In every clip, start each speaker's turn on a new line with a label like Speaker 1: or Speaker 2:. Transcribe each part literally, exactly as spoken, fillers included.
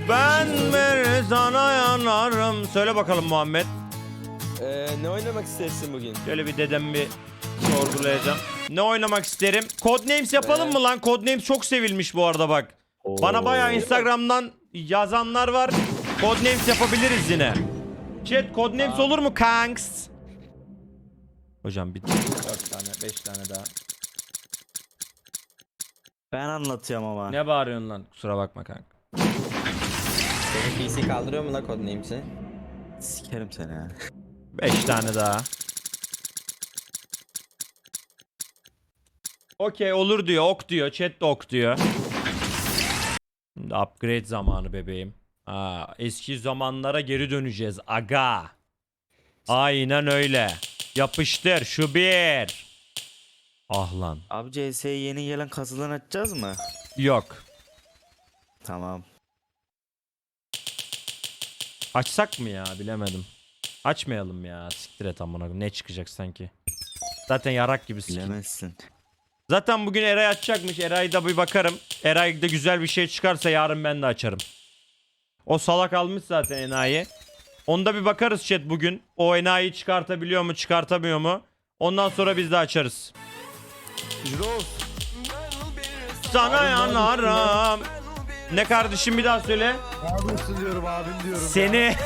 Speaker 1: Ben bir sana yanarım. Söyle bakalım Muhammed.
Speaker 2: Ee, ne oynamak istersin bugün?
Speaker 1: Şöyle bir dedem bir sorgulayacağım. Ne oynamak isterim? Codenames yapalım mı lan? Codenames çok sevilmiş bu arada bak. Bana bayağı Instagram'dan yazanlar var. Codenames yapabiliriz yine. Chat Codenames olur mu kanks? Hocam bir dört tane beş tane daha.
Speaker 3: Ben anlatıyorum ama.
Speaker 1: Ne bağırıyorsun lan? Kusura bakma kanka.
Speaker 2: Senin P C kaldırıyor mu la Codenames'i?
Speaker 3: Sikerim seni ya.
Speaker 1: beş tane daha. Okey olur diyor. Ok diyor. Chat de ok diyor. Şimdi upgrade zamanı bebeğim. Aa, eski zamanlara geri döneceğiz. Aga. Aynen öyle. Yapıştır şu bir. Ah lan.
Speaker 3: Abi C S'ye yeni gelen kasıdan açacağız mı?
Speaker 1: Yok.
Speaker 3: Tamam.
Speaker 1: Açsak mı ya bilemedim. Açmayalım ya. Siktir et amına koyayım. Ne çıkacak sanki. Zaten yarak gibi siktir.
Speaker 3: Bilemezsin.
Speaker 1: Zaten bugün Eray açacakmış. Eray'da bir bakarım. Eray'da güzel bir şey çıkarsa yarın ben de açarım. O salak almış zaten enayi. Onda bir bakarız chat bugün. O enayi çıkartabiliyor mu çıkartamıyor mu? Ondan sonra biz de açarız.
Speaker 2: Jiroz.
Speaker 1: Sana yanarım. Ne kardeşim bir daha söyle.
Speaker 4: Abimsin diyorum abim diyorum.
Speaker 1: Seni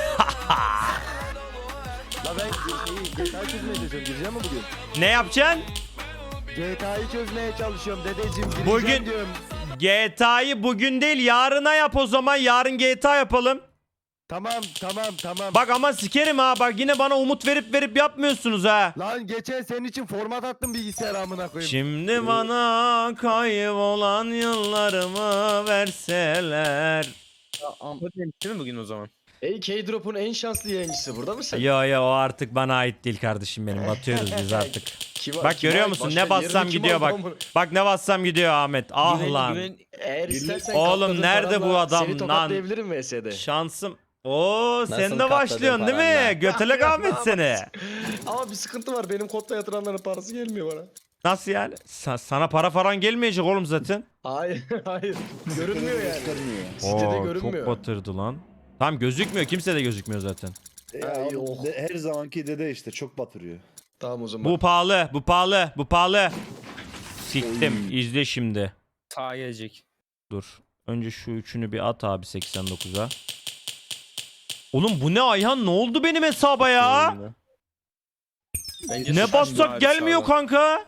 Speaker 4: La ben G T A'yı çözmeye çalışıyorum. Gireceğim mi bugün?
Speaker 1: ne yapacaksın?
Speaker 4: G T A'yı çözmeye çalışıyorum dedeciğim. Gireceğim
Speaker 1: Bugün-
Speaker 4: diyorum.
Speaker 1: G T A'yı bugün değil yarına yap o zaman. Yarın G T A yapalım.
Speaker 4: Tamam tamam tamam.
Speaker 1: Bak ama sikerim ha. Bak yine bana umut verip verip yapmıyorsunuz ha.
Speaker 4: Lan geçen senin için format attım bilgisayar amına koyayım.
Speaker 1: Şimdi bana kaybolan yıllarımı verseler.
Speaker 2: Codenames değil mi bugün o zaman?
Speaker 5: Ey K-Drop'un en şanslı yayıncısı burada mısın?
Speaker 1: Yo yo o artık bana ait değil kardeşim benim. Batıyoruz biz artık.
Speaker 5: Kim-
Speaker 1: Bak
Speaker 5: kim
Speaker 1: görüyor
Speaker 5: ait?
Speaker 1: musun
Speaker 5: Başka
Speaker 1: ne bassam
Speaker 5: yerini kim
Speaker 1: gidiyor
Speaker 5: aldı
Speaker 1: bak.
Speaker 5: amına?
Speaker 1: Bak ne bassam gidiyor Ahmet. Ah
Speaker 2: Güven-
Speaker 1: lan.
Speaker 2: güven-
Speaker 5: Eğer istersen
Speaker 1: Oğlum,
Speaker 5: katladığın
Speaker 1: nerede bu
Speaker 5: paranla
Speaker 1: adam
Speaker 5: Seni
Speaker 1: lan?
Speaker 5: tokatlayabilirim V S'de.
Speaker 1: Şansım. Oo sen de
Speaker 2: katladın
Speaker 1: başlıyorsun değil
Speaker 2: paranla?
Speaker 1: mi? Götelek Ahmet seni.
Speaker 5: Ama bir sıkıntı var. Benim kodla yatıranların parası gelmiyor bana.
Speaker 1: Nasıl yani? Sa- sana para falan gelmeyecek oğlum zaten.
Speaker 5: Hayır hayır. Görünmüyor yani. Sitede
Speaker 1: Oo, çok
Speaker 5: görünmüyor.
Speaker 1: batırdı lan. Tam gözükmüyor. Kimse de gözükmüyor zaten.
Speaker 6: Ya
Speaker 5: Ay,
Speaker 6: abi,
Speaker 5: oh.
Speaker 6: de- her zamanki dede işte çok batırıyor.
Speaker 5: Tamam o zaman.
Speaker 1: Bu pahalı. Bu pahalı. Bu pahalı. Siktim. İzle şimdi.
Speaker 2: Sağa gelecek.
Speaker 1: Dur. Önce şu üçünü bir at abi seksen dokuza. Oğlum bu ne Ayhan? Ne oldu benim hesaba ya?
Speaker 2: Bence
Speaker 1: Ne
Speaker 2: sıçradı
Speaker 1: bassak
Speaker 2: abi
Speaker 1: gelmiyor
Speaker 2: sağa.
Speaker 1: kanka.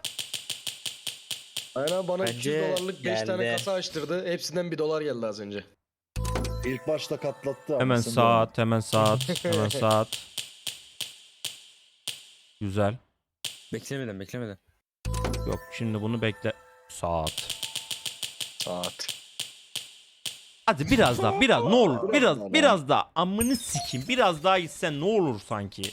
Speaker 5: Aynen bana iki yüz
Speaker 3: Bence
Speaker 5: dolarlık beş tane
Speaker 2: geldi.
Speaker 5: kasa açtırdı. Hepsinden bir dolar geldi az önce.
Speaker 6: İlk başta katlattı.
Speaker 1: Hemen
Speaker 6: anasını
Speaker 1: saat, hemen saat, hemen saat. Güzel.
Speaker 2: Beklemeden beklemeden.
Speaker 1: Yok şimdi bunu bekle. Saat.
Speaker 5: Saat.
Speaker 1: Hadi biraz daha, biraz ne olur,
Speaker 6: Biraz daha.
Speaker 1: biraz, biraz daha. Amını sikeyim, biraz daha gitsen ne olur sanki.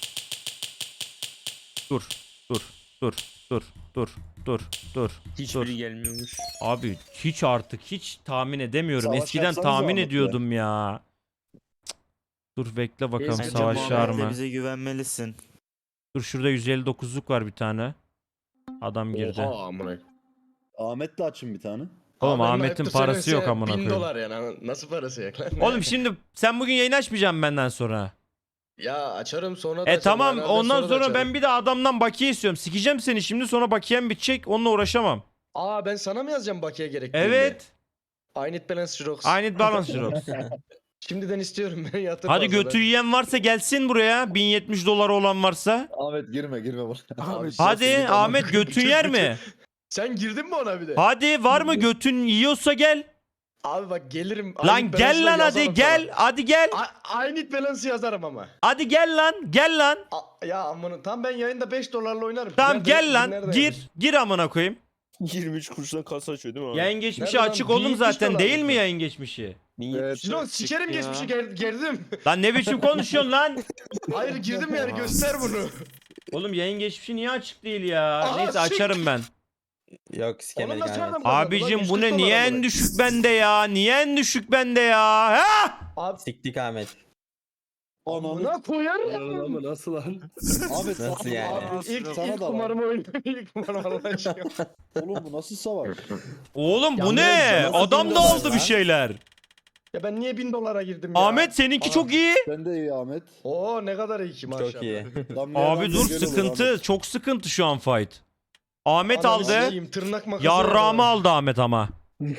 Speaker 1: Dur, dur, dur, dur, dur, dur, dur.
Speaker 2: Hiçbiri gelmiyormuş.
Speaker 1: Abi hiç artık hiç tahmin edemiyorum.
Speaker 6: Savaş
Speaker 1: Eskiden
Speaker 6: yapsanız
Speaker 1: tahmin
Speaker 6: Ahmet'le.
Speaker 1: ediyordum ya. Cık. Dur bekle bakalım
Speaker 5: Bence
Speaker 3: Bence
Speaker 1: savaş var
Speaker 3: Muhammed de
Speaker 1: mı?
Speaker 3: bize güvenmelisin.
Speaker 1: Dur şurada yüz elli dokuzluk var bir tane. Adam girdi.
Speaker 5: Oha amına.
Speaker 6: Ahmet'le açın bir tane.
Speaker 1: Oğlum
Speaker 5: Abi benim
Speaker 1: Ahmet'in
Speaker 5: ayıptır
Speaker 1: parası yok
Speaker 5: söylemesi
Speaker 1: amına
Speaker 5: bin
Speaker 1: koyayım.
Speaker 5: dolar yani. Nasıl parası yok lan?
Speaker 1: Oğlum şimdi sen bugün yayın açmayacaksın benden sonra.
Speaker 5: Ya açarım sonra da
Speaker 1: E
Speaker 5: açarım,
Speaker 1: tamam
Speaker 5: aynen, ben
Speaker 1: ondan
Speaker 5: da
Speaker 1: sonra
Speaker 5: açarım.
Speaker 1: ben bir de adamdan bakiye istiyorum. Sikeceğim seni şimdi sonra bakiyem bitecek. Onunla uğraşamam.
Speaker 5: Aa ben sana mı yazacağım bakiye gerektiğinde?
Speaker 1: Evet.
Speaker 5: I need balance Xerox.
Speaker 1: I need balance Xerox.
Speaker 5: Şimdiden istiyorum ben yatır
Speaker 1: Hadi
Speaker 5: fazladan.
Speaker 1: götü yiyen varsa gelsin buraya. bin yetmiş doları olan varsa.
Speaker 6: Ahmet girme girme buraya.
Speaker 5: Abi,
Speaker 1: Hadi
Speaker 5: sen-
Speaker 1: Ahmet götün yer mi?
Speaker 5: Sen girdin mi ona bir de?
Speaker 1: Hadi var mı götün yiyorsa gel.
Speaker 5: Abi bak gelirim. I
Speaker 1: Lan
Speaker 5: need
Speaker 1: gel
Speaker 5: balance'la
Speaker 1: lan hadi
Speaker 5: yazarım
Speaker 1: gel. Hadi gel.
Speaker 5: sana. I, I need balance yazarım ama.
Speaker 1: Hadi gel lan. Gel lan.
Speaker 5: A- ya amanın tam ben yayında beş dolarla oynarım.
Speaker 1: Tamam
Speaker 5: Nerede-
Speaker 1: gel lan.
Speaker 5: nerede
Speaker 1: Gir.
Speaker 5: yazmış?
Speaker 1: Gir amına koyayım.
Speaker 2: yirmi üç kuruştan kasa açıyor değil mi abi?
Speaker 1: Yayın geçmişi
Speaker 5: Nerede lan?
Speaker 1: açık oğlum
Speaker 5: bin yetmiş
Speaker 1: zaten
Speaker 5: dolar
Speaker 1: değil mi
Speaker 5: mı?
Speaker 1: yayın geçmişi?
Speaker 2: bin
Speaker 5: Ee,
Speaker 2: yetmiş
Speaker 5: Sinan
Speaker 2: çıktı
Speaker 5: sikerim
Speaker 2: ya.
Speaker 5: geçmişi ger- gerdim.
Speaker 1: Lan ne biçim konuşuyorsun lan?
Speaker 5: Hayır girdim yani göster bunu.
Speaker 1: Oğlum yayın geçmişi niye açık değil ya?
Speaker 5: Aa,
Speaker 1: Neyse
Speaker 5: sik.
Speaker 1: açarım ben.
Speaker 2: Yok
Speaker 5: Onu
Speaker 2: sikemedik
Speaker 5: nasıl
Speaker 2: Ahmet.
Speaker 5: adam kazandı lan?
Speaker 1: Abicim
Speaker 5: yüz
Speaker 1: bu
Speaker 5: kırk
Speaker 1: ne
Speaker 5: dolar
Speaker 1: niye
Speaker 5: amına.
Speaker 1: en düşük bende ya? Niye en düşük bende ya? Ha?
Speaker 5: Abi
Speaker 2: Siktik Ahmet.
Speaker 6: Ananı.
Speaker 5: buna koyarım.
Speaker 4: Ama nasıl lan?
Speaker 6: Ahmet
Speaker 2: Nasıl
Speaker 6: sana-
Speaker 2: yani?
Speaker 5: Abi ilk,
Speaker 6: Sana
Speaker 5: ilk
Speaker 6: da var.
Speaker 5: kumarımı oynadım. İlk kumarımı Allah aşkına.
Speaker 6: Oğlum bu nasıl savaş?
Speaker 1: Oğlum bu
Speaker 5: Ya
Speaker 1: ne?
Speaker 5: nasıl
Speaker 1: Adam da
Speaker 5: bilmiyorum
Speaker 1: aldı
Speaker 5: lan.
Speaker 1: bir şeyler.
Speaker 5: Ya ben niye bin dolara girdim ya?
Speaker 1: Ahmet seninki
Speaker 5: Aa.
Speaker 1: çok iyi.
Speaker 6: Ben de iyi Ahmet.
Speaker 5: Oo ne kadar iyi ki maşallah.
Speaker 2: Çok iyi.
Speaker 6: Damlaya
Speaker 1: Abi
Speaker 6: damlaya
Speaker 1: dur
Speaker 6: göl olur
Speaker 1: sıkıntı.
Speaker 6: Ahmet.
Speaker 1: Çok sıkıntı şu an fight. Ahmet
Speaker 5: Ananı
Speaker 1: aldı.
Speaker 5: sikeyim, tırnak makası.
Speaker 1: Yarrağımı
Speaker 5: var.
Speaker 1: aldı Ahmet ama.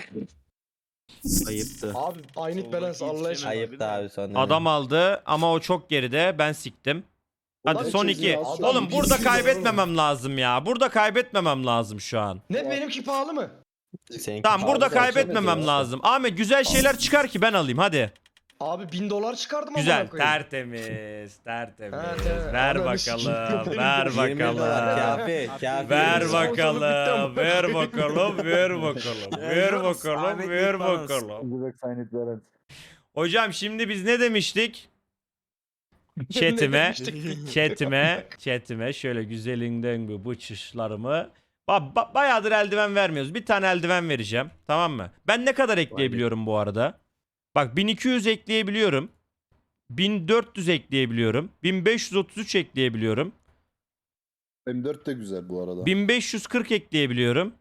Speaker 3: Ayıptı.
Speaker 5: Abi aynı balans Allah aşkına.
Speaker 2: Ayıp da abi sonra.
Speaker 1: Adam aldı ama o çok geride. Ben siktim. Hadi
Speaker 6: Ulan
Speaker 1: son
Speaker 6: çözüm
Speaker 1: iki.
Speaker 6: ya, adam
Speaker 1: Oğlum
Speaker 5: bir
Speaker 1: burada
Speaker 5: sürü
Speaker 1: kaybetmemem lazım ya. Burada kaybetmemem lazım şu an.
Speaker 5: Ne benimki pahalı mı?
Speaker 2: Seninki
Speaker 1: Tamam burada
Speaker 2: pahalı da
Speaker 1: kaybetmemem
Speaker 2: açamadı.
Speaker 1: lazım. Ahmet güzel şeyler çıkar ki ben alayım hadi.
Speaker 5: Abi bin dolar çıkardım
Speaker 1: Güzel.
Speaker 5: amına koyayım.
Speaker 1: Tertemiz. Tertemiz.
Speaker 5: Ha, tamam.
Speaker 1: Ver
Speaker 5: Ananı
Speaker 1: bakalım.
Speaker 5: sikeyim.
Speaker 1: Ver
Speaker 2: yirmi dolar
Speaker 1: bakalım.
Speaker 2: kafi. Kafi.
Speaker 1: Ver
Speaker 5: Sponsorluk bitti ama.
Speaker 1: bakalım. Ver bakalım. Ver bakalım. Ver bakalım. Ver bakalım. Hocam şimdi biz ne demiştik? Chatime,
Speaker 5: demiştik?
Speaker 1: chatime, chatime şöyle güzelinden bu bıçışlarımı. Ba ba bayağıdır eldiven vermiyoruz. Bir tane eldiven vereceğim. Tamam mı? Ben ne kadar ekleyebiliyorum bu arada? Bak bin iki yüz ekleyebiliyorum. bin dört yüz ekleyebiliyorum. bin beş yüz otuz üç ekleyebiliyorum.
Speaker 6: M dört de güzel bu arada.
Speaker 1: bin beş yüz kırk ekleyebiliyorum.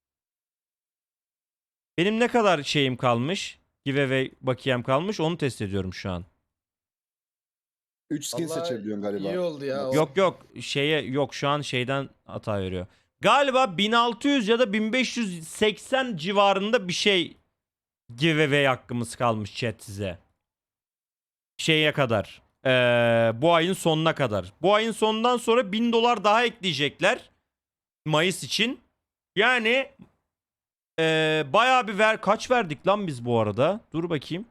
Speaker 1: Benim ne kadar şeyim kalmış? Giveaway bakiyem kalmış. Onu test ediyorum şu an.
Speaker 6: üç skin
Speaker 5: Vallahi
Speaker 6: seçebiliyorsun galiba.
Speaker 5: İyi oldu ya. o.
Speaker 1: Yok yok şeye yok şu an şeyden hata veriyor. Galiba bin altı yüz ya da bin beş yüz seksen civarında bir şey giveaway hakkımız kalmış chat size. Şeye kadar. Ee, bu ayın sonuna kadar. Bu ayın sonundan sonra bin dolar daha ekleyecekler. Mayıs için. Yani ee, bayağı bir ver. Kaç verdik lan biz bu arada? Dur bakayım.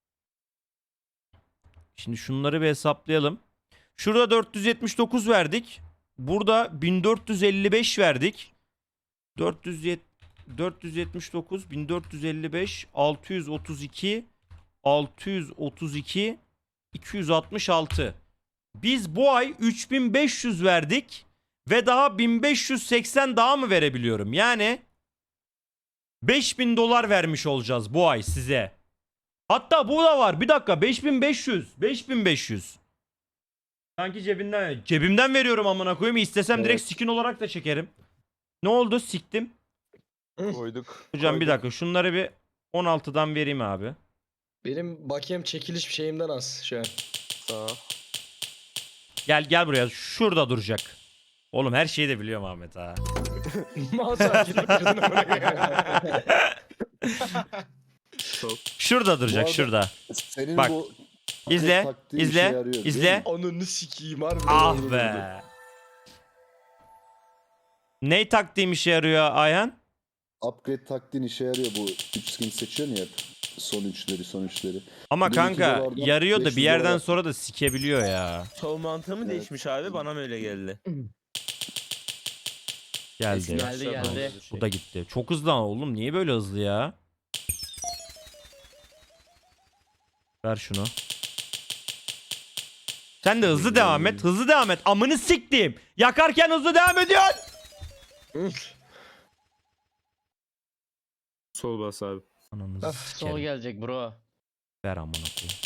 Speaker 1: Şimdi şunları bir hesaplayalım. Şurada dört yüz yetmiş dokuz verdik. Burada bin dört yüz elli beş verdik. dört yüz yetmiş dokuz, bin dört yüz elli beş, altı yüz otuz iki, altı yüz otuz iki, iki yüz altmış altı. Biz bu ay üç bin beş yüz verdik ve daha bin beş yüz seksen daha mı verebiliyorum? Yani beş bin dolar vermiş olacağız bu ay size. Hatta bu da var. Bir dakika beş bin beş yüz. beş bin beş yüz. Sanki cebinden cebimden veriyorum amına koyayım. İstesem direkt
Speaker 6: Evet.
Speaker 1: skin olarak da çekerim. Ne oldu? Siktim.
Speaker 4: Koyduk.
Speaker 1: Hocam bir dakika şunları bir on altıdan vereyim abi.
Speaker 5: Benim bakiyem çekiliş şeyimden az şu an.
Speaker 4: Sağ.
Speaker 1: Gel gel buraya. Şurada duracak. Oğlum her şeyi de biliyorum Ahmet ha.
Speaker 5: Mağaza kirli kırdın amına koyayım.
Speaker 1: Şurada duracak
Speaker 6: arada-
Speaker 1: şurada.
Speaker 6: Senin
Speaker 1: Bak,
Speaker 6: bu
Speaker 1: İzle,
Speaker 6: taktiğin işe
Speaker 1: izle,
Speaker 6: yarıyor, biliyor
Speaker 1: izle.
Speaker 6: musun?
Speaker 5: Ananı sikeyim harbiden.
Speaker 1: Ah
Speaker 5: oldu
Speaker 1: be. Ney taktiğim işe yarıyor Ayhan?
Speaker 6: Upgrade taktiğin işe yarıyor bu. üç skin seçiyorsun ya hep. Son üçleri son üçleri.
Speaker 1: Ama
Speaker 6: bin iki
Speaker 1: kanburada
Speaker 6: dolardan
Speaker 1: yarıyor da
Speaker 6: beş
Speaker 1: bir
Speaker 6: yüz
Speaker 1: yerden
Speaker 6: dolar.
Speaker 1: sonra da sikebiliyor ya.
Speaker 7: Sol mantığı mı
Speaker 6: Evet.
Speaker 7: değişmiş abi? Bana mı öyle geldi?
Speaker 1: Geldi.
Speaker 7: Geldi geldi.
Speaker 1: Bu da gitti. Çok hızlı ama oğlum. Niye böyle hızlı ya? Ver şunu. Sen de hızlı devam et. Hızlı devam et. Amını siktim. Yakarken hızlı devam ediyorsun.
Speaker 7: Sol bas abi.
Speaker 1: Ananızı
Speaker 5: Of,
Speaker 1: sikerim.
Speaker 8: Sol gelecek bro.
Speaker 1: Ver amına koyayım.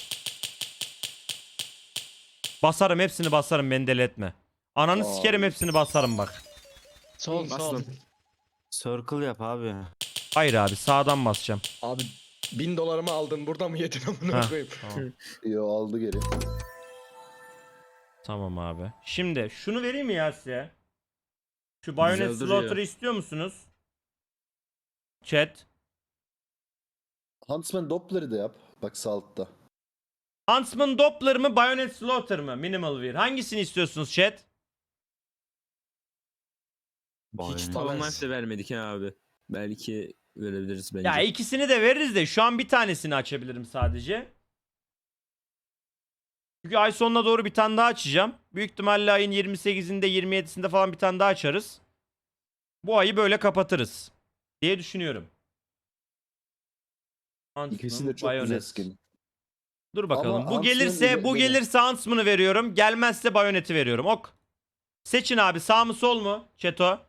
Speaker 1: Basarım hepsini basarım beni deli etme. Ananı
Speaker 6: Aa.
Speaker 1: sikerim hepsini basarım bak.
Speaker 8: Sol sol.
Speaker 7: Bastım.
Speaker 3: Circle yap abi.
Speaker 1: Hayır abi sağdan basacağım.
Speaker 5: Abi bin dolarımı aldın burada mı yedin amına
Speaker 1: Ha.
Speaker 5: koyayım.
Speaker 1: Tamam.
Speaker 6: Yo aldı geri.
Speaker 1: Tamam abi. Şimdi şunu vereyim mi ya size? Şu Bayonet
Speaker 7: Güzel duruyor.
Speaker 1: Slaughter'ı istiyor musunuz? Chat.
Speaker 6: Huntsman Doppler'ı da yap. Bak sağ altta.
Speaker 1: Huntsman Doppler mı Bayonet Slaughter mı? Minimal Wear. Hangisini istiyorsunuz chat?
Speaker 7: Hiç
Speaker 3: Bayağı.
Speaker 7: Town Life de vermedik ha abi. Belki verebiliriz bence.
Speaker 1: Ya ikisini de veririz de şu an bir tanesini açabilirim sadece. Çünkü ay sonuna doğru bir tane daha açacağım. Büyük ihtimalle ayın yirmi sekizinde yirmi yedisinde falan bir tane daha açarız. Bu ayı böyle kapatırız diye düşünüyorum. Huntsman,
Speaker 6: İkisi de çok güzel
Speaker 1: Bayonet.
Speaker 6: skin.
Speaker 1: Dur bakalım.
Speaker 6: Ama
Speaker 1: bu
Speaker 6: Huntsman
Speaker 1: gelirse
Speaker 6: ile-
Speaker 1: bu
Speaker 6: ile-
Speaker 1: gelirse Huntsman'ı veriyorum. Gelmezse Bayonet'i veriyorum. Ok. Seçin abi sağ mı sol mu? Çeto.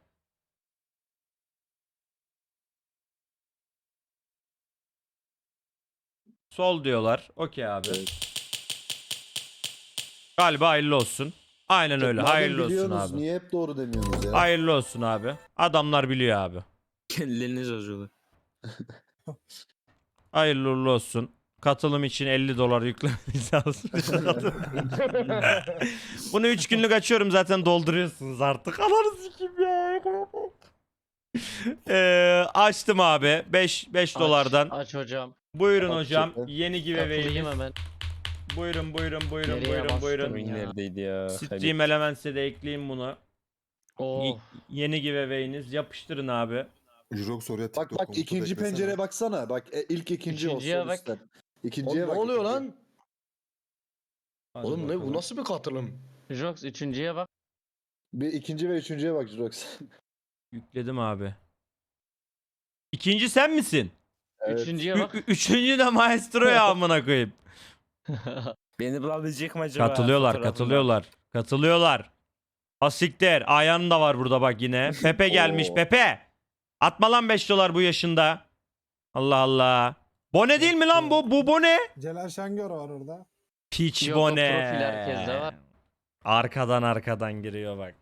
Speaker 1: Sol diyorlar. Okey abi.
Speaker 6: Evet.
Speaker 1: Galiba hayırlı olsun. Aynen öyle.
Speaker 6: Madem
Speaker 1: Hayırlı olsun
Speaker 6: biliyorsunuz,
Speaker 1: abi.
Speaker 6: Niye hep doğru demiyorsunuz ya?
Speaker 1: Hayırlı olsun abi. Adamlar biliyor abi.
Speaker 7: Kendilerini yazıyorlar.
Speaker 1: Hayırlı uğurlu olsun. Katılım için elli dolar yüklemeniz lazım. Bunu üç günlük açıyorum zaten dolduruyorsunuz artık. Ananı sikeyim ya. Ee, açtım abi. beş beş dolardan.
Speaker 8: Aç hocam.
Speaker 1: Buyurun
Speaker 6: Aç
Speaker 1: hocam.
Speaker 6: çekme.
Speaker 1: Yeni
Speaker 8: Katılayım
Speaker 1: giveaway'imiz.
Speaker 8: hemen.
Speaker 1: Buyurun buyurun buyurun
Speaker 8: Nereye
Speaker 1: buyurun
Speaker 8: bastım
Speaker 1: buyurun.
Speaker 7: Oyun
Speaker 8: ya?
Speaker 7: neredeydi ya?
Speaker 1: Stream Elements'e de ekleyeyim bunu.
Speaker 8: Oh.
Speaker 1: Y- yeni giveaway'iniz. Yapıştırın abi.
Speaker 9: Jirox oraya
Speaker 6: Bak
Speaker 9: TikTok
Speaker 6: bak
Speaker 9: komutu
Speaker 6: ikinci
Speaker 9: beklesene.
Speaker 6: pencereye baksana. Bak e, ilk ikinci o
Speaker 8: İkinciye
Speaker 6: sol
Speaker 8: bak.
Speaker 6: üstten.
Speaker 5: Oğlum
Speaker 6: İkinciye
Speaker 5: ne
Speaker 6: bak.
Speaker 5: oluyor
Speaker 6: ikinciye.
Speaker 5: lan?
Speaker 1: Hadi
Speaker 5: Oğlum ne bu
Speaker 1: bakalım.
Speaker 5: nasıl bir katılım?
Speaker 8: Jox üçüncüye bak.
Speaker 6: Bir ikinci ve üçüncüye bak Jirox.
Speaker 1: Yükledim abi. İkinci sen misin?
Speaker 6: Evet.
Speaker 8: Üçüncüye
Speaker 1: Ü-
Speaker 8: bak.
Speaker 1: ü- üçüncü de Maestro ya amına koyayım.
Speaker 7: Beni bulabilecek mi acaba?
Speaker 1: Katılıyorlar,
Speaker 7: fotoğrafından?
Speaker 1: katılıyorlar. Katılıyorlar. Asiktir. Ayhan da var burada bak yine. Pepe gelmiş.
Speaker 6: Oo.
Speaker 1: Pepe. Atma lan beş dolar bu yaşında. Allah Allah. Bone değil mi lan bu? Bu bone.
Speaker 10: Celal Şengör var orada.
Speaker 1: Piç
Speaker 8: Yok, o
Speaker 1: bone.
Speaker 8: profil herkeste var.
Speaker 1: Arkadan arkadan giriyor bak.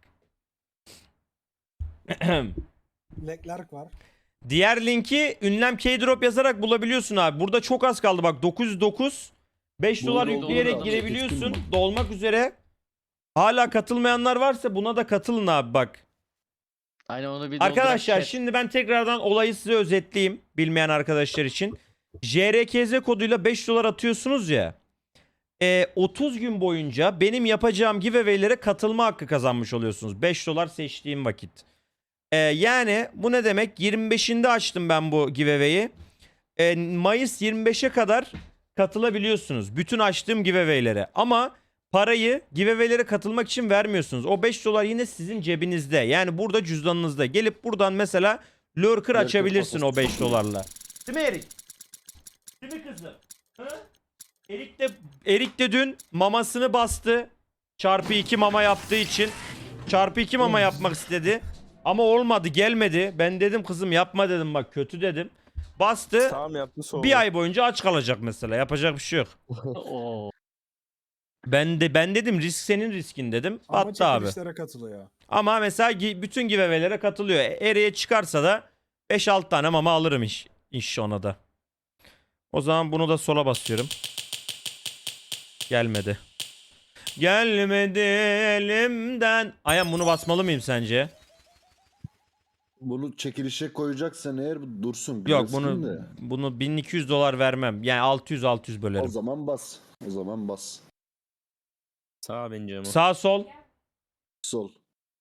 Speaker 10: Leclerc var.
Speaker 1: Diğer linki ünlem K-Drop yazarak bulabiliyorsun abi. Burada çok az kaldı bak. dokuz yüz dokuz. beş dolar
Speaker 6: Doğru,
Speaker 1: yükleyerek
Speaker 8: doğru.
Speaker 1: girebiliyorsun. Dolmak üzere. Hala katılmayanlar varsa buna da katılın abi bak.
Speaker 8: Aynen onu bir
Speaker 1: Arkadaşlar
Speaker 8: doldurak chat.
Speaker 1: şimdi ben tekrardan olayı size özetleyeyim. Bilmeyen arkadaşlar için. J R K Z koduyla beş dolar atıyorsunuz ya. E, otuz gün boyunca benim yapacağım giveaway'lere katılma hakkı kazanmış oluyorsunuz. beş dolar seçtiğim vakit. E, yani bu ne demek? yirmi beşinde açtım ben bu giveaway'i. E, Mayıs yirmi beşe kadar katılabiliyorsunuz. Bütün açtığım giveaway'lere. Ama parayı giveaway'lere katılmak için vermiyorsunuz. O beş dolar yine sizin cebinizde. Yani burada cüzdanınızda. Gelip buradan mesela lurker açabilirsin o beş dolarla. Değil mi Erik? Değil mi kızım? Hı? Erik de, Erik de dün mamasını bastı. Çarpı iki mama yaptığı için. Çarpı iki mama yapmak istedi. Ama olmadı, gelmedi. Ben dedim kızım yapma dedim, bak kötü dedim. Bastı.
Speaker 7: Tamam yaptı soğuk.
Speaker 1: Bir ay boyunca aç kalacak mesela. Yapacak bir şey yok.
Speaker 8: Oo.
Speaker 1: Ben de ben dedim risk senin riskin dedim.
Speaker 10: Ama
Speaker 1: Attı abi.
Speaker 10: çekilişlere katılıyor.
Speaker 1: Ama mesela gi- bütün giveaway'lere katılıyor. E, Eriye çıkarsa da beş altı tane mama alırım iş, iş ona da. O zaman bunu da sola basıyorum. Gelmedi. Gelmedi elimden. Ayhan bunu basmalı mıyım sence?
Speaker 6: Bunu çekilişe koyacaksan eğer bu dursun.
Speaker 1: Yok
Speaker 6: Güzel
Speaker 1: bunu
Speaker 6: skin de.
Speaker 1: bunu bin iki yüz dolar vermem. Yani altı yüz altı yüz
Speaker 6: O
Speaker 1: bölerim.
Speaker 6: zaman bas. O zaman bas.
Speaker 7: Sağ bence ama.
Speaker 1: Sağ sol.
Speaker 6: Sol.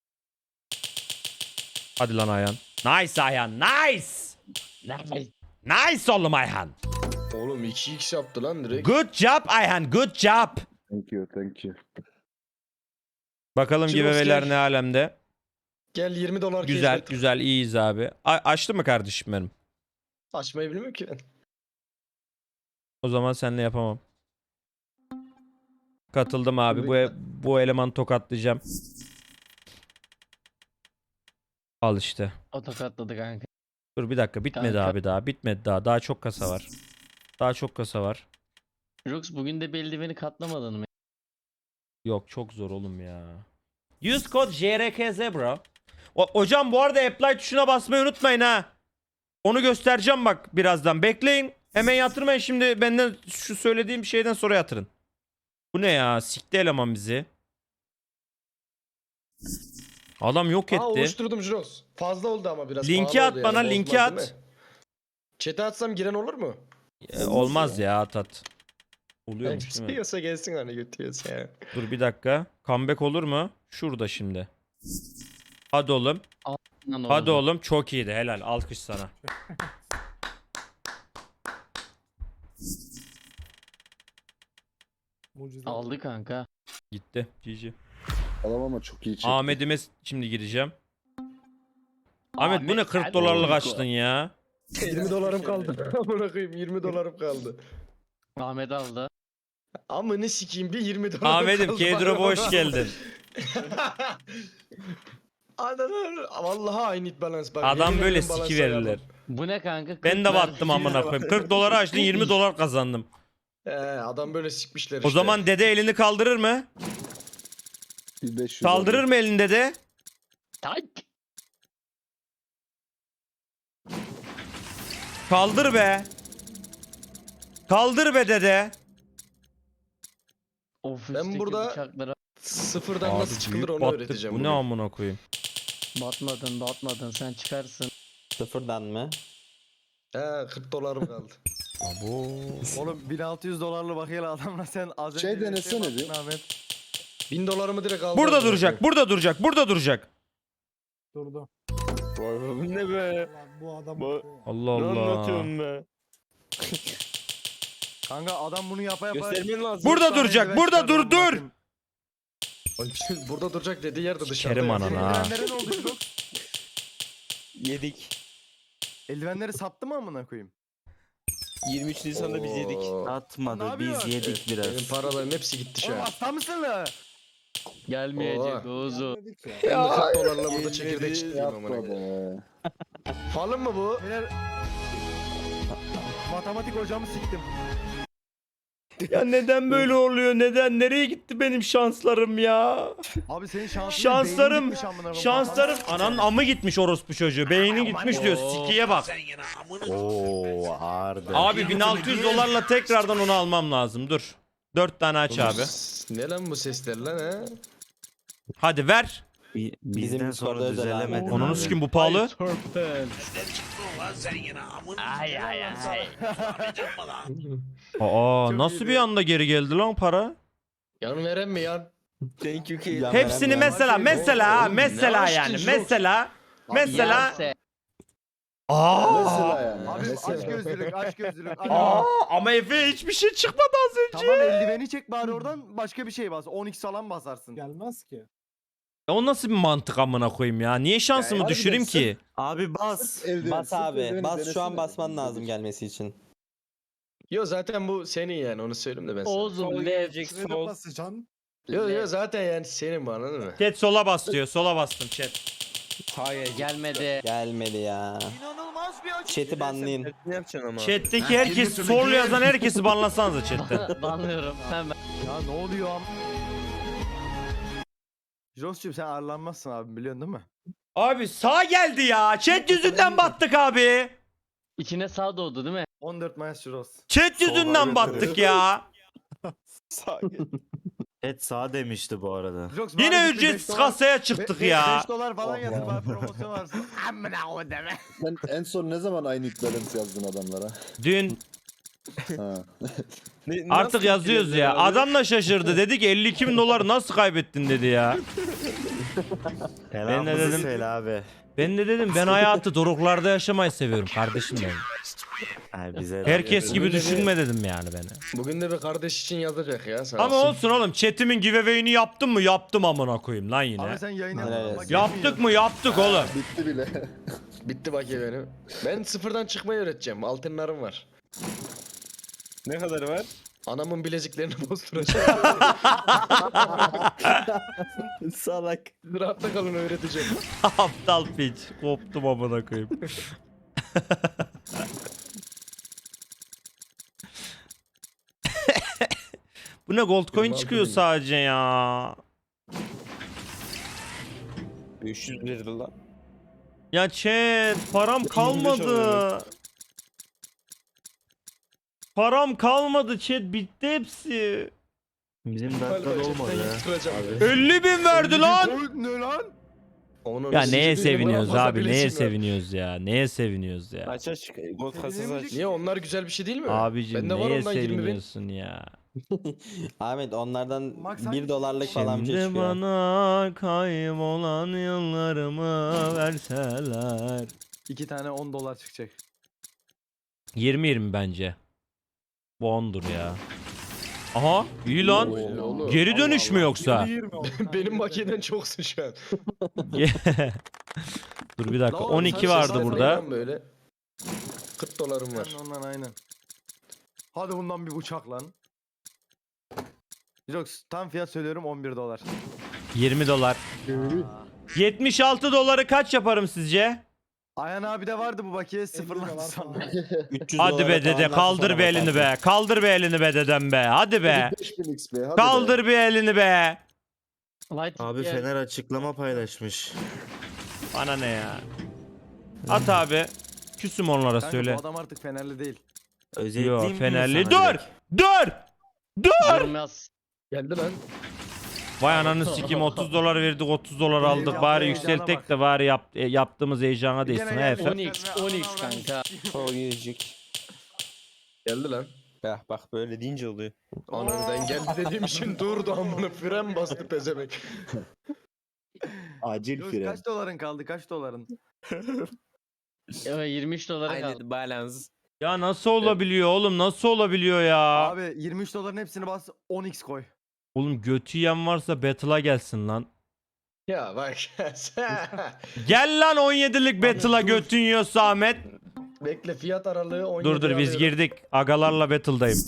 Speaker 1: Hadi lan Ayhan. Nice Ayhan. Nice.
Speaker 8: Nice.
Speaker 1: Nice oğlum Ayhan.
Speaker 5: Oğlum iki x yaptı lan direkt.
Speaker 1: Good job Ayhan. Good job.
Speaker 6: Thank you, thank you.
Speaker 1: Bakalım
Speaker 5: Jirox
Speaker 1: giveaway'ler
Speaker 5: gel.
Speaker 1: ne alemde.
Speaker 5: Gel yirmi dolar
Speaker 1: Güzel
Speaker 5: keşfet.
Speaker 1: güzel iyiyiz abi. A- açtı mı kardeşim benim?
Speaker 5: Açmayı bilmiyorum ki ben.
Speaker 1: O zaman seninle yapamam. Katıldım abi. Bu e- bu elemanı tokatlayacağım. Al işte.
Speaker 8: O tokatladı kanka.
Speaker 1: Dur bir dakika bitmedi
Speaker 8: Kanka.
Speaker 1: abi daha. Bitmedi daha. Daha çok kasa var. Daha çok kasa var.
Speaker 8: Jox bugün de bir eldiveni katlamadın mı?
Speaker 1: Yok çok zor oğlum ya. Use code J R K Z bro. O- hocam bu arada apply tuşuna basmayı unutmayın ha. Onu göstereceğim bak birazdan. Bekleyin. Hemen yatırmayın şimdi, benden şu söylediğim şeyden sonra yatırın. Bu ne ya? Sikti eleman bizi. Adam yok
Speaker 5: Aa
Speaker 1: etti.
Speaker 5: oluşturdum Jirox. Fazla oldu ama biraz.
Speaker 1: Linki
Speaker 5: pahalı
Speaker 1: at
Speaker 5: oldu
Speaker 1: bana,
Speaker 5: yani,
Speaker 1: linki
Speaker 5: bozmaz
Speaker 1: at.
Speaker 5: değil mi? Chat'e atsam giren olur mu?
Speaker 1: Ee, olmaz ya at at. Oluyormuş değil mi?
Speaker 5: İstiyorsa gelsin hani götürüyorsa ya.
Speaker 1: Dur bir dakika. Comeback olur mu? Şurada şimdi. Hadi oğlum.
Speaker 8: Lan
Speaker 1: Hadi
Speaker 8: oldu.
Speaker 1: oğlum. Çok iyiydi. Helal. Alkış sana.
Speaker 10: Mucize.
Speaker 8: Aldı kanka.
Speaker 1: Gitti. G G.
Speaker 6: Adam ama çok iyi çekti.
Speaker 1: Ahmet'ime s- şimdi gireceğim. Ahmet bu ne
Speaker 8: Ahmet,
Speaker 1: kırk
Speaker 8: hadi
Speaker 1: dolarlık
Speaker 8: oğlum.
Speaker 1: açtın ya.
Speaker 5: yirmi dolarım kaldı. Amına koyayım yirmi dolarım kaldı.
Speaker 8: Ahmet aldı.
Speaker 5: Amını sikeyim bir yirmi dolarım
Speaker 1: Ahmet'im
Speaker 5: kaldı.
Speaker 1: K-Drop'a
Speaker 5: bana.
Speaker 1: hoş geldin.
Speaker 5: Ananı vallahi aynı it balance bak.
Speaker 1: Adam
Speaker 5: yemin
Speaker 1: böyle
Speaker 5: ederim balance
Speaker 1: siki verirler.
Speaker 5: ayarladım.
Speaker 8: Bu ne kanka?
Speaker 1: Ben de
Speaker 8: kırk ver.
Speaker 1: battım amına koyayım. kırk doları açtın, yirmi dolar kazandım.
Speaker 5: Ee, adam böyle sikmişler
Speaker 1: O
Speaker 5: işte.
Speaker 1: zaman dede elini kaldırır mı?
Speaker 6: Bir beş yüz
Speaker 1: Kaldırır
Speaker 6: aldım.
Speaker 1: mı elini dede?
Speaker 8: Tak.
Speaker 1: Kaldır be. Kaldır be dede.
Speaker 8: Ofisteki
Speaker 5: burada-
Speaker 8: bıçaklara
Speaker 5: Sıfırdan
Speaker 1: Abi
Speaker 5: nasıl çıkılır
Speaker 1: büyük
Speaker 5: onu
Speaker 1: battık.
Speaker 5: öğreteceğim.
Speaker 1: Bu ne
Speaker 5: bugün.
Speaker 1: amına koyayım.
Speaker 8: batmadın batmadın sen çıkarsın.
Speaker 2: Sıfırdan mı?
Speaker 5: He kırk dolarım kaldı.
Speaker 1: Abo.
Speaker 4: Oğlum bin altı yüz dolarlı bakıyla adamla sen az önce
Speaker 6: Şey
Speaker 4: bir
Speaker 6: denesene
Speaker 4: yaptın
Speaker 6: bir.
Speaker 4: Ahmet.
Speaker 5: bin dolarımı direkt aldım.
Speaker 1: Burada duracak, burada duracak, burada duracak.
Speaker 10: Durdu.
Speaker 7: ne be?
Speaker 10: Ulan bu adam
Speaker 7: Bu-
Speaker 10: bakıyor.
Speaker 1: Allah Allah.
Speaker 7: be?
Speaker 4: Kanka adam bunu yapa yapa.
Speaker 7: Göstermen lazım.
Speaker 1: Burada
Speaker 4: Dört tane
Speaker 1: duracak,
Speaker 4: eldiven
Speaker 1: burada
Speaker 4: çıkardı
Speaker 1: dur,
Speaker 4: amına
Speaker 1: dur.
Speaker 4: koyayım.
Speaker 5: Burada duracak dediği yerde dışarıda.
Speaker 1: Kerim
Speaker 5: ya.
Speaker 1: ananı
Speaker 4: Senin
Speaker 1: ha.
Speaker 4: eldivenlere ne oldu Jirok?
Speaker 7: Yedik.
Speaker 4: Eldivenleri sattı mı amına koyayım?
Speaker 7: yirmi üç Nisan'da biz yedik.
Speaker 5: Oo.
Speaker 4: Ne
Speaker 3: Atmadı biz
Speaker 4: yapıyorsun?
Speaker 3: yedik biraz.
Speaker 5: Benim paralarım hepsi gitti şu
Speaker 4: Oğlum
Speaker 5: an.
Speaker 4: hasta mısın la?
Speaker 8: Gelmeyecek
Speaker 5: Oo.
Speaker 8: Oğuz'u.
Speaker 10: Dedik ya.
Speaker 5: Ben de kırk dolarla burada
Speaker 7: Yedi-
Speaker 5: çekirdek çitleyeyim amına
Speaker 6: Yapma
Speaker 5: koyayım.
Speaker 6: be.
Speaker 5: Falın mı bu?
Speaker 4: Beyler... Matematik hocamı siktim.
Speaker 1: Ya neden böyle oluyor? Neden? Nereye gitti benim şanslarım ya?
Speaker 4: Abi senin şansın
Speaker 1: Şanslarım,
Speaker 4: beynin gitmiş amına koyayım.
Speaker 1: Şanslarım. Ananın amı gitmiş orospu çocuğu. Beyni gitmiş diyor. Sikiye bak.
Speaker 3: Oo ağırdı.
Speaker 1: Abi bin altı yüz dolarla tekrardan onu almam lazım. Dur. Dört tane aç abi.
Speaker 5: Ne lan bu sesler lan he?
Speaker 1: Hadi ver.
Speaker 3: Bi-
Speaker 2: Bizim
Speaker 3: Bizden
Speaker 2: Discord'da
Speaker 3: sonra
Speaker 2: özel
Speaker 3: düzelemedin
Speaker 2: abi.
Speaker 1: Onunu
Speaker 3: abi.
Speaker 1: sikim bu pahalı.
Speaker 8: Ay ay ay.
Speaker 1: Aa
Speaker 4: Çok
Speaker 1: nasıl
Speaker 4: iyiydi.
Speaker 1: bir anda geri geldi lan para?
Speaker 5: Yan veren mi yan?
Speaker 7: Thank you ki.
Speaker 1: Hepsini mesela mesela
Speaker 5: Oğlum,
Speaker 1: mesela
Speaker 5: ne
Speaker 1: yani
Speaker 5: açtın
Speaker 1: mesela mesela
Speaker 8: Yerse.
Speaker 1: Aa
Speaker 6: Mesela yani.
Speaker 4: Abi aç
Speaker 6: Mesela.
Speaker 4: gözlülük aç gözlülük. Aç.
Speaker 1: Aa ama Efe hiçbir şey çıkmadı az önce.
Speaker 4: Tamam eldiveni çek bari oradan başka bir şey bas. on x falan basarsın.
Speaker 10: Gelmez ki.
Speaker 1: Ya o nasıl bir mantık amına koyayım ya? Niye şansımı
Speaker 6: Ya,
Speaker 1: düşüreyim
Speaker 6: harbiden
Speaker 1: ki?
Speaker 3: Abi bas.
Speaker 6: Eldiven,
Speaker 2: Bas
Speaker 6: sırf
Speaker 2: abi.
Speaker 6: eldiveni
Speaker 2: Bas şu
Speaker 6: denesene.
Speaker 2: an basman lazım gelmesi için.
Speaker 5: Yo zaten bu senin yani onu söyleyeyim de ben sana.
Speaker 8: Oğuz'um
Speaker 7: Sol
Speaker 8: lev.
Speaker 7: gelecek
Speaker 10: Şuraya
Speaker 7: sol.
Speaker 10: basacaksın.
Speaker 5: Yo yo zaten yani senin bu anladın mı?
Speaker 1: Chat sola bas diyor. Sola bastım chat.
Speaker 7: Hayır.
Speaker 8: Gelmedi.
Speaker 2: Gelmedi ya. Chat'i banlayın.
Speaker 7: Ne yapacaksın ama?
Speaker 1: Chat'teki herkes sol yazan herkesi banlasanıza chatten.
Speaker 8: Banlıyorum hemen.
Speaker 4: Ya ne oluyor am? Jos'cum sen ağırlanmazsın abi biliyorsun değil mi?
Speaker 1: Abi sağ geldi ya. Chat yüzünden battık abi.
Speaker 8: İçine sağ doğdu değil mi?
Speaker 4: on dört Mayıs Jos.
Speaker 1: Chat yüzünden
Speaker 4: evet,
Speaker 1: battık ya.
Speaker 3: Et sağ demişti bu arada.
Speaker 4: Jos,
Speaker 1: Yine
Speaker 4: bari bitti, beş
Speaker 1: ücretsiz
Speaker 4: dolar-
Speaker 1: kasaya çıktık
Speaker 4: be- be-
Speaker 1: ya.
Speaker 4: beş dolar falan
Speaker 6: Allah.
Speaker 4: yatır bari promosyon varsa. Amına o deme.
Speaker 6: Sen en son ne zaman aynı balance yazdın adamlara?
Speaker 1: Dün
Speaker 6: Ha.
Speaker 7: Ne-
Speaker 1: artık
Speaker 7: nasıl
Speaker 1: yazıyoruz
Speaker 7: bitirdin
Speaker 1: ya.
Speaker 7: abi?
Speaker 1: Adam da şaşırdı. Dedi ki elli iki bin doları nasıl kaybettin dedi ya.
Speaker 3: Selam
Speaker 1: de dedim-
Speaker 3: söyle abi.
Speaker 1: Ben de dedim ben hayatı doruklarda yaşamayı seviyorum kardeşim benim.
Speaker 3: Ay bize
Speaker 1: Herkes gibi
Speaker 5: Bugün de bir-
Speaker 1: düşünme dedim yani beni.
Speaker 5: Bugün de bir kardeş için yazacak ya sağ
Speaker 1: Ama
Speaker 5: olsun.
Speaker 1: olsun oğlum chat'imin giveaway'ini yaptım mı? Yaptım amına koyayım lan yine.
Speaker 4: Abi sen yayına
Speaker 2: Evet.
Speaker 4: bak,
Speaker 1: Yaptık mı? Yaptık oğlum.
Speaker 6: Bitti bile.
Speaker 5: Bitti bak ya benim. Ben sıfırdan çıkmayı öğreteceğim. Altınlarım var.
Speaker 7: Ne kadar var?
Speaker 5: Anamın bileziklerini bozduracağım.
Speaker 7: Salak.
Speaker 5: Rahatta kalın öğreteceğim.
Speaker 1: Aptal piç. Koptum amına koyayım. Bu ne gold coin
Speaker 5: Yirmi
Speaker 1: çıkıyor
Speaker 5: altı bin.
Speaker 1: sadece ya.
Speaker 7: beş yüz lira lan.
Speaker 1: Ya chat param kalmadı.
Speaker 7: alıyorum.
Speaker 1: Param kalmadı chat bitti hepsi.
Speaker 3: Bizim
Speaker 5: Galiba
Speaker 3: dakikada olmadı
Speaker 5: chatten
Speaker 3: ya.
Speaker 5: yıktıracağım.
Speaker 1: elli bin verdi lan.
Speaker 4: Ne lan?
Speaker 5: Onun
Speaker 1: Ya
Speaker 5: sizi
Speaker 1: neye
Speaker 5: değil,
Speaker 1: seviniyoruz
Speaker 5: bana fazla
Speaker 1: abi? Neye
Speaker 5: bileziğim var.
Speaker 1: seviniyoruz ya? Neye seviniyoruz ya?
Speaker 7: Aç aç. Gold kasası aç.
Speaker 5: Niye onlar güzel bir şey değil mi?
Speaker 1: Abicim
Speaker 5: Bende var
Speaker 1: neye
Speaker 5: ondan yirmi bin.
Speaker 1: seviniyorsun ya?
Speaker 2: Ahmet onlardan
Speaker 4: Max
Speaker 2: bir
Speaker 4: hangisi?
Speaker 2: dolarlık falan bir şey
Speaker 1: Şimdi
Speaker 2: çıkıyor.
Speaker 1: bana kaybolan yıllarımı verseler.
Speaker 4: İki tane on dolar çıkacak.
Speaker 1: yirmi yirmi bence. Bu ondur ya. Aha iyi lan.
Speaker 5: Oo, oğlum.
Speaker 1: Geri dönüş mü yoksa?
Speaker 10: yirmi oldu.
Speaker 5: Benim makineden çoksun şu an.
Speaker 1: Dur bir dakika.
Speaker 4: La oğlum,
Speaker 1: on iki
Speaker 4: sen
Speaker 1: vardı
Speaker 4: seslen
Speaker 1: burada.
Speaker 5: Lan böyle. kırk dolarım var.
Speaker 4: Var. Ondan aynen. Hadi bundan bir bıçak lan. Jox tam fiyat söylüyorum on bir dolar.
Speaker 1: yirmi dolar. yetmiş altı doları kaç yaparım sizce?
Speaker 4: Ayhan abi de vardı bu bakiye
Speaker 10: elli
Speaker 4: sıfırlan
Speaker 10: dolar
Speaker 4: sonra.
Speaker 10: falan.
Speaker 2: üç yüz
Speaker 1: Hadi
Speaker 2: dolara
Speaker 1: be dede
Speaker 2: tamamlarsın,
Speaker 1: kaldır
Speaker 2: sonra
Speaker 1: bir elini
Speaker 2: bakarsın.
Speaker 1: be. Kaldır bir elini be dedem be. Hadi be.
Speaker 6: beş bin X P hadi be.
Speaker 1: Kaldır bir elini be.
Speaker 8: Light
Speaker 3: Abi
Speaker 8: gel.
Speaker 3: Fener açıklama paylaşmış.
Speaker 1: Bana ne ya? At abi. Küsüm onlara
Speaker 4: Kanka
Speaker 1: söyle.
Speaker 4: bu adam artık Fenerli değil.
Speaker 3: Özetleyeyim
Speaker 1: Yo
Speaker 3: mi
Speaker 1: Fenerli.
Speaker 3: sana
Speaker 1: Dur!
Speaker 3: direkt?
Speaker 1: Dur! Dur!
Speaker 8: Yorum yaz.
Speaker 5: Geldi lan.
Speaker 1: Vay ananı sikeyim otuz dolar verdik otuz dolar aldık. Bari yükseltek de bari yap, e, yaptığımız heyecana değsin. Ha efendim.
Speaker 8: on x on x kanka.
Speaker 2: O yüzük.
Speaker 5: Geldi lan.
Speaker 2: Ya bak böyle deyince oluyor.
Speaker 5: Aniden geldi dediğim için durdu amına fren bastı pezemek.
Speaker 6: Acil
Speaker 4: Yunus,
Speaker 6: fren.
Speaker 4: kaç doların kaldı kaç doların?
Speaker 8: Evet, yirmi üç dolara kaldı.
Speaker 2: Aynı balans.
Speaker 1: Ya nasıl olabiliyor oğlum? Nasıl olabiliyor ya?
Speaker 4: Abi yirmi üç doların hepsini bas on x koy.
Speaker 1: Oğlum götü yiyen varsa battle'a gelsin lan.
Speaker 5: Ya bak.
Speaker 1: Gel lan on yedilik battle'a götün yiyorsa Ahmet.
Speaker 5: Bekle fiyat aralığı on yedi
Speaker 1: Dur dur biz
Speaker 5: alıyorum.
Speaker 1: girdik. Agalarla battle'dayım.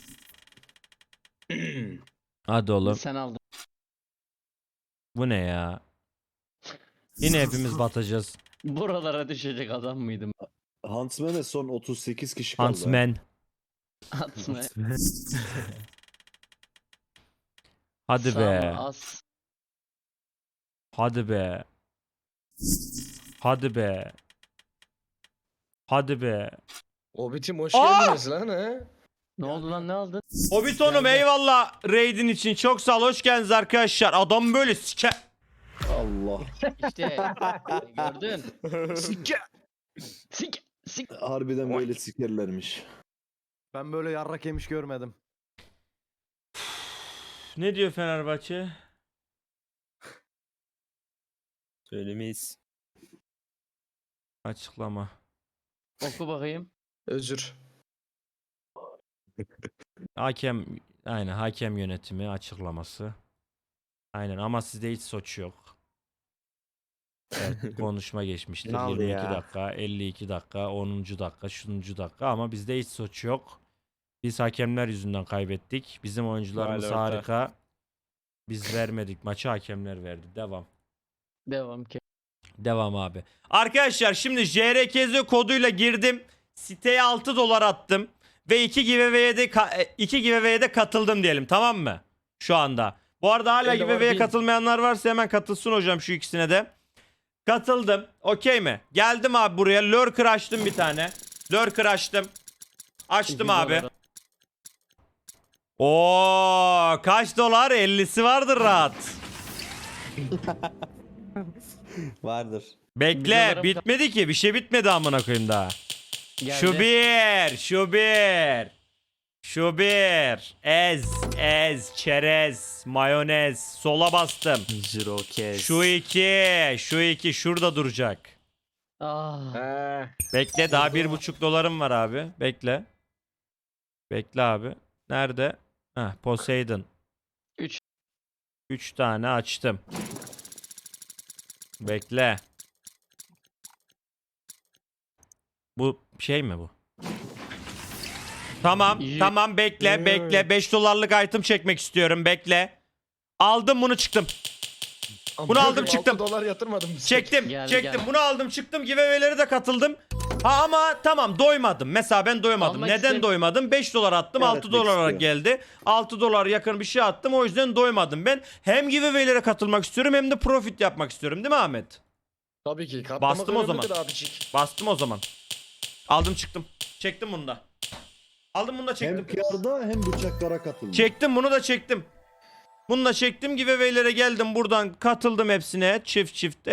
Speaker 1: Hadi oğlum.
Speaker 8: Sen aldın.
Speaker 1: Bu ne ya? Yine hepimiz batacağız.
Speaker 8: Buralara düşecek adam mıydım?
Speaker 6: Huntsman'e son otuz sekiz kişi kaldı.
Speaker 1: Huntsman.
Speaker 8: Atma.
Speaker 1: Hadi
Speaker 8: Sağ
Speaker 1: be.
Speaker 8: mı? Az.
Speaker 1: Hadi be. Hadi be. Hadi be.
Speaker 5: Hobbit'im hoş
Speaker 1: Aa!
Speaker 5: geldiniz lan ha.
Speaker 8: Ne oldu lan, ne aldın?
Speaker 1: Hobbiton'um eyvallah raid'in için. Çok sağ ol. Hoş geldiniz arkadaşlar. Adam böyle sike...
Speaker 6: Allah.
Speaker 8: İşte gördün.
Speaker 5: Sikke.
Speaker 8: Sik sik.
Speaker 6: Harbiden böyle sikerlermiş.
Speaker 4: Ben böyle yarrak yemiş görmedim.
Speaker 1: Ne diyor Fenerbahçe?
Speaker 7: Söylemeyiz.
Speaker 1: Açıklama.
Speaker 8: Oku bakayım.
Speaker 5: Özür.
Speaker 1: Hakem aynen hakem yönetimi açıklaması. Aynen ama sizde hiç suç yok. Evet, konuşma geçmiştir.
Speaker 3: Ne oldu
Speaker 1: yirmi iki
Speaker 3: ya?
Speaker 1: dakika, elli iki dakika, onuncu dakika, şununcu dakika ama bizde hiç suç yok. Biz hakemler yüzünden kaybettik. Bizim oyuncularımız
Speaker 7: Vay orta.
Speaker 1: harika. Biz vermedik. Maçı hakemler verdi. Devam.
Speaker 8: Devam ki.
Speaker 1: Devam abi. Arkadaşlar şimdi J R K Z koduyla girdim. Siteye altı dolar attım. Ve iki giveaway'e de, ka- iki giveaway'e de katıldım diyelim, tamam mı? Şu anda. Bu arada hala
Speaker 5: Elde var
Speaker 1: giveaway'e
Speaker 5: değil.
Speaker 1: katılmayanlar varsa hemen katılsın hocam şu ikisine de. Katıldım. Okey mi? Geldim abi buraya. Lurker açtım bir tane. Lurker açtım. Açtım abi. Oo, kaç dolar? ellisi vardır rahat.
Speaker 2: Vardır.
Speaker 1: Bekle,
Speaker 8: Videolarım-
Speaker 1: bitmedi ki. Bir şey bitmedi amına koyayım daha.
Speaker 8: Geldi.
Speaker 1: Şu bir, şu bir, şu bir, ez, ez, çerez, mayonez, sola bastım.
Speaker 3: Jirokes.
Speaker 1: Şu iki, şu iki, şurada duracak.
Speaker 8: Ah.
Speaker 5: Ha.
Speaker 1: Bekle, daha bir buçuk dolarım var abi, bekle. Bekle abi, nerede? Heh, Poseidon.
Speaker 8: Üç.
Speaker 1: Üç tane açtım. Bekle. Bu şey mi bu? Tamam,
Speaker 8: İyi.
Speaker 1: tamam bekle, bekle. beş dolarlık item çekmek istiyorum, bekle. Aldım bunu çıktım. Bunu aldım,
Speaker 5: altı
Speaker 1: çıktım.
Speaker 5: dolar yatırmadım.
Speaker 1: Çektim,
Speaker 8: Geldi,
Speaker 1: çektim.
Speaker 8: geldi.
Speaker 1: Bunu aldım, çıktım. Giveaway'lere de katıldım. Ha ama tamam doymadım. Mesela ben doymadım.
Speaker 8: Almak
Speaker 1: Neden
Speaker 8: istedim.
Speaker 1: doymadım? beş dolar attım, altı
Speaker 6: Öğretmek
Speaker 1: dolara
Speaker 6: istiyor.
Speaker 1: geldi. altı dolar yakın bir şey attım. O yüzden doymadım ben. Hem giveaway'lere katılmak istiyorum hem de profit yapmak istiyorum. Değil mi Ahmet?
Speaker 5: Tabii ki. Katlamak
Speaker 1: Bastım o
Speaker 5: önemlidir
Speaker 1: zaman.
Speaker 5: abicik.
Speaker 1: Bastım o zaman. Aldım çıktım. Çektim bunu da. Aldım bunu da
Speaker 6: Hem
Speaker 1: çektim.
Speaker 6: kârda hem bıçaklara katıldı.
Speaker 1: Çektim bunu da çektim. Bunu da çektim. Giveaway'lere geldim buradan katıldım hepsine. Çift çift.